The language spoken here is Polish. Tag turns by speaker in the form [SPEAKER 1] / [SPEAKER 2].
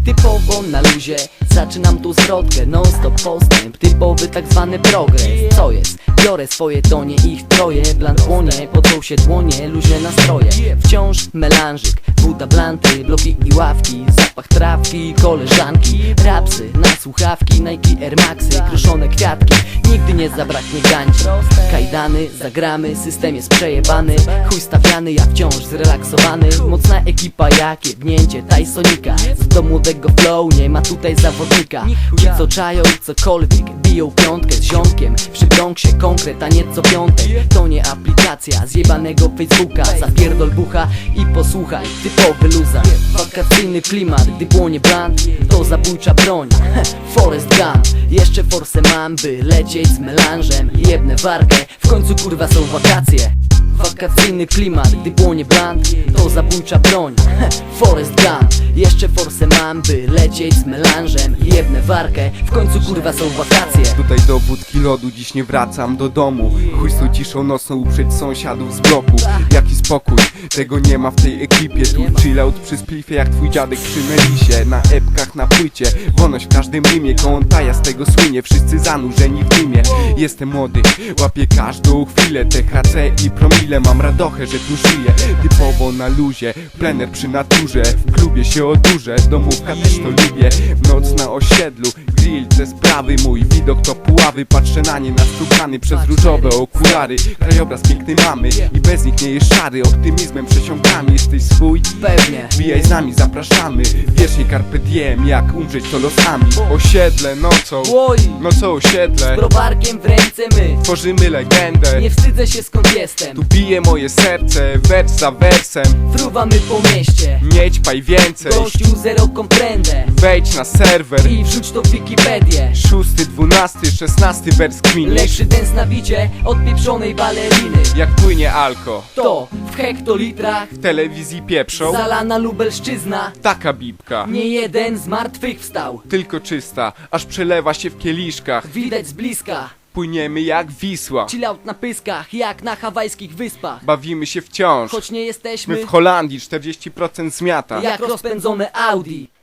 [SPEAKER 1] typowo na luzie. Zaczynam tu zwrotkę, non stop postęp, typowy tak zwany progres. Co jest? Biorę swoje tonie, ich troje. Blant płonie, potrą się dłonie, luźne nastroje. Wciąż melanżyk, woda, blanty, bloki i ławki, zapach trawki, koleżanki, rapsy na słuchawki, Nike Air Maxy, kruszone kwiatki. Nigdy nie zabraknie gańczy. Kajdany, zagramy, system jest przejebany. Chuj stawiany, ja wciąż zrelaksowany. Mocna ekipa jak jebnięcie Tysonika. Do młodego flow nie ma tutaj zawodnika. Ci co czają cokolwiek, biją piątkę z ziomkiem. Przy Bronxie konkret, a nie co piątek. To nie aplikacja zjebanego Facebooka. Zapierdol bucha i posłuchaj, typowy luza. Wakacyjny klimat, gdy płonie blunt, to zabójcza broń. Forest Gump, jeszcze forsę mam, by lecieć z melanżem. Jebnę warkę, w końcu kurwa są wakacje. Wakacyjny klimat, gdy płonie blunt, to zabójcza broń. Forest Gump, jeszcze forsę mam, by lecieć z melanżem. Jebnę warkę, w końcu kurwa są wakacje.
[SPEAKER 2] Tutaj do wódki lodu, dziś nie wracam do domu. Chuj z tą ciszą nocną uprzeć sąsiadów z bloku. Jaki spokój, tego nie ma w tej ekipie. Tu chillout przy splifie jak twój dziadek przy melisie. Na epkach, na płycie, wolność w każdym rymie. Kołątaja z tego słynie, wszyscy zanurzeni w dymie. Jestem młody, łapię każdą chwilę. THC i promile, mam radochę, że tu żyję. Typowo na luzie, plener przy naturze. W klubie się odurzę, domówka też to lubię. Noc na osiedlu, grill, te sprawy. Mój widok to puławy, patrzę na nie nastukany przez różowe okulary. Krajobraz piękny mamy i bez nich nie jest szary. Optymizmem przesiąkamy, jesteś swój?
[SPEAKER 1] Pewnie.
[SPEAKER 2] Wbijaj z nami, zapraszamy. Wiecznie carpe diem, jak umrzeć to losami. Osiedle nocą,
[SPEAKER 1] Oj,
[SPEAKER 2] no co osiedle?
[SPEAKER 1] browarkiem w ręce my.
[SPEAKER 2] Tworzymy legendę.
[SPEAKER 1] Nie wstydzę się skąd jestem.
[SPEAKER 2] Tu bije moje serce, wers za wersem.
[SPEAKER 1] Fruwamy po mieście.
[SPEAKER 2] Nie ćpaj więcej,
[SPEAKER 1] Gościu zero komprendę.
[SPEAKER 2] wejdź na serwer.
[SPEAKER 1] I wrzuć to w Wikipedię.
[SPEAKER 2] 6, 12, 16 wers kminisz.
[SPEAKER 1] Lepszy dance na bicie od pieprzonej baleriny.
[SPEAKER 2] Jak płynie alko,
[SPEAKER 1] To w hektolitrach
[SPEAKER 2] w telewizji pieprzą.
[SPEAKER 1] zalana Lubelszczyzna.
[SPEAKER 2] Taka bibka,
[SPEAKER 1] Nie jeden z martwych wstał.
[SPEAKER 2] tylko czysta, aż przelewa się w kieliszkach.
[SPEAKER 1] Widać z bliska.
[SPEAKER 2] Płyniemy jak Wisła,
[SPEAKER 1] Chill out na pyskach, jak na hawajskich wyspach.
[SPEAKER 2] bawimy się wciąż.
[SPEAKER 1] Choć nie
[SPEAKER 2] My
[SPEAKER 1] jesteśmy
[SPEAKER 2] w Holandii 40% zmiata.
[SPEAKER 1] jak rozpędzone Audi.